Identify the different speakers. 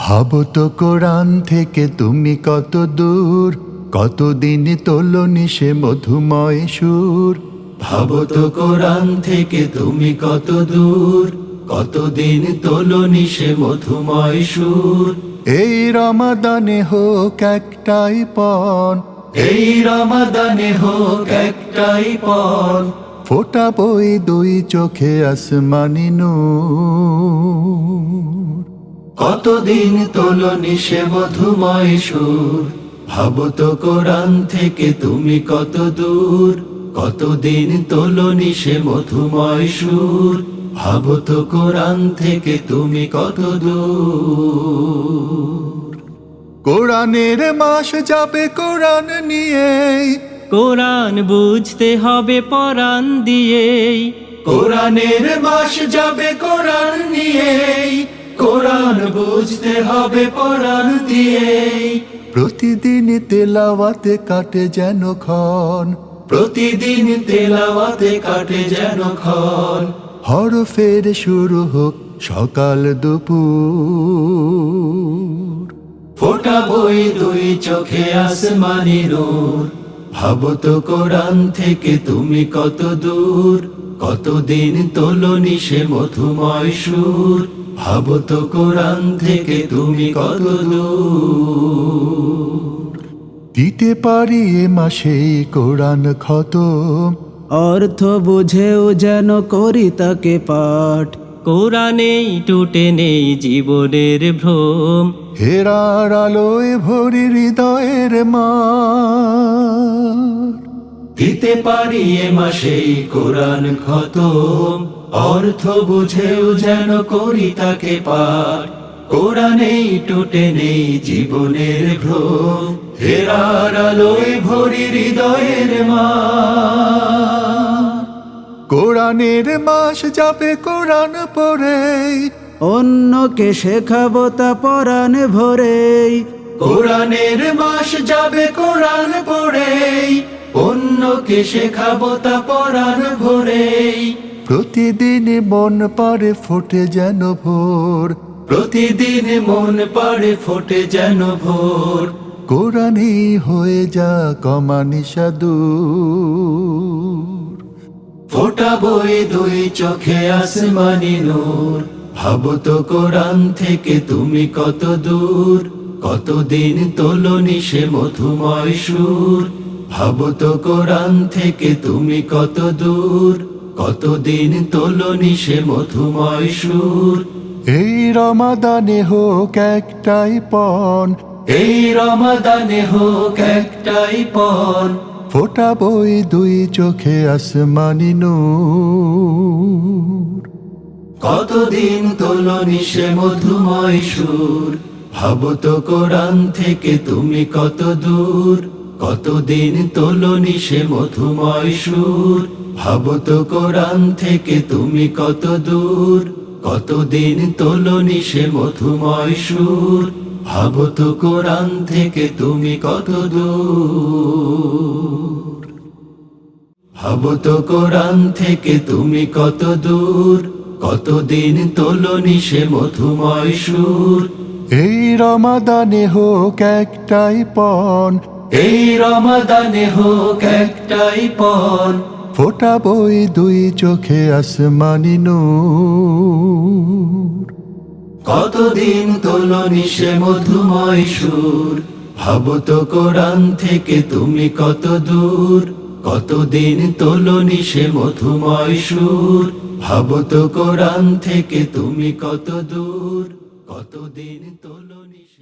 Speaker 1: ভাবো তো কোরআন থেকে তুমি কত দূর, কতদিন তোলনি সে মধুময় সুর।
Speaker 2: ভাবো তো কোরআন থেকে তুমি কত দূর, কতদিন তোলনি সে মধুময় সুর।
Speaker 1: এই রমাদানে হোক একটাই পণ,
Speaker 2: এই রমাদানে হোক একটাই পণ,
Speaker 1: ফোটাবই দুই চোখে আসমানি নূর।
Speaker 2: কতদিন তোলনি সে মধুময় সুর। ভাবো তো কোরআন থেকে তুমি কত দূর, কতদিন তোলনি সে মধুময় সুর। ভাবো তো কোরআন থেকে তুমি কত দূর।
Speaker 1: কোরআনের মাস যাবে কোরআন নিয়েই,
Speaker 3: কোরআন বুঝতে হবে পরাণ দিয়েই।
Speaker 2: কোরআনের মাস যাবে কোরআন নিয়েই, কোরআন বুঝতে হবে পরাণ দিয়েই।
Speaker 1: প্রতিদিন তেলাওয়াতে কাটে যেন ক্ষণ,
Speaker 2: প্রতিদিন তেলাওয়াতে কাটে যেন ক্ষণ,
Speaker 1: হরফের শুরু হোক সকাল দুপুর।
Speaker 2: ফোটাবই দুই চোখে আসমানি নূর। ভাবো তো কোরআন থেকে তুমি কত দূর, কতদিন তোলনি সে মধুময় সুর। ভাবো তো কোরআন থেকে তুমি কত দূর।
Speaker 1: দিতে পারি এ মাসেই কোরআন খতম,
Speaker 4: অর্থ বুঝেও যেন করি তাকে পাঠ।
Speaker 3: কোরআনেই টুটে নেই জীবনের ভ্রম।
Speaker 1: হেরার আলোয় ভরি হৃদয়ের মাঠ।
Speaker 2: দিতে পারি এ মাসেই কোরআন খতম, অর্থ বুঝেও যেন করি তাকে পার। কোরআনেই টুটে নেই জীবনের ভ্রম, হেরার আলোয় ভরি হৃদয়ের মাঠ।
Speaker 1: কোরআনের মাস যাবে কোরআন পড়েই,
Speaker 4: অন্যকে শেখাবো তা পরাণ ভরেই।
Speaker 2: কোরআনের মাস যাবে কোরআন পড়েই, অন্যকে শেখাবো তা পরাণ ভরেই।
Speaker 1: প্রতিদিন মন পারে ফোটে যেন ভোর,
Speaker 2: প্রতিদিন মন পাড়ে ফোটে যেন ভোর।
Speaker 1: কোরআনই হয়ে যা কমানিসা দূর।
Speaker 2: ফোটাবই দুই চোখে আসমানি নূর। ভাবো তো কোরআন থেকে তুমি কত দূর, কতদিন তোলনি সে মধুময় সুর। ভাবো তো কোরআন থেকে তুমি কত দূর, কতদিন তোলনি সে মধুময় সুর।
Speaker 1: এই রমাদানে হোক একটাই পণ,
Speaker 2: এই রমাদানে হোক একটাই পণ,
Speaker 1: ফোটাবই দুই চোখে আসমানি নূর।
Speaker 2: কতদিন তোলনি সে মধুময় সুর। ভাবো তো কোরআন থেকে তুমি কত দূর, কতদিন তোলনি সে মধুময় সুর। ভাবো তো কোরআন থেকে তুমি কত দূর, কতদিন তোলনি সে মধুময় সুর। ভাবো তো কোরআন থেকে তুমি কত দূর। ভাবো তো কোরআন থেকে তুমি কত দূর, কতদিন তোলনি সে মধুময় সুর।
Speaker 1: এই রমাদানে হোক একটাই পণ,
Speaker 2: এই রমাদানে হোক একটাই পণ,
Speaker 1: ফোটাবই দুই চোখে আসমানি নূর।
Speaker 2: কতদিন তোলনি সে মধুময় সুর। ভাবো তো কোরআন থেকে তুমি কত দূর, কতদিন তোলনি সে মধুময় সুর। ভাবো তো কোরআন থেকে তুমি কত দূর, কতদিন তোলনি।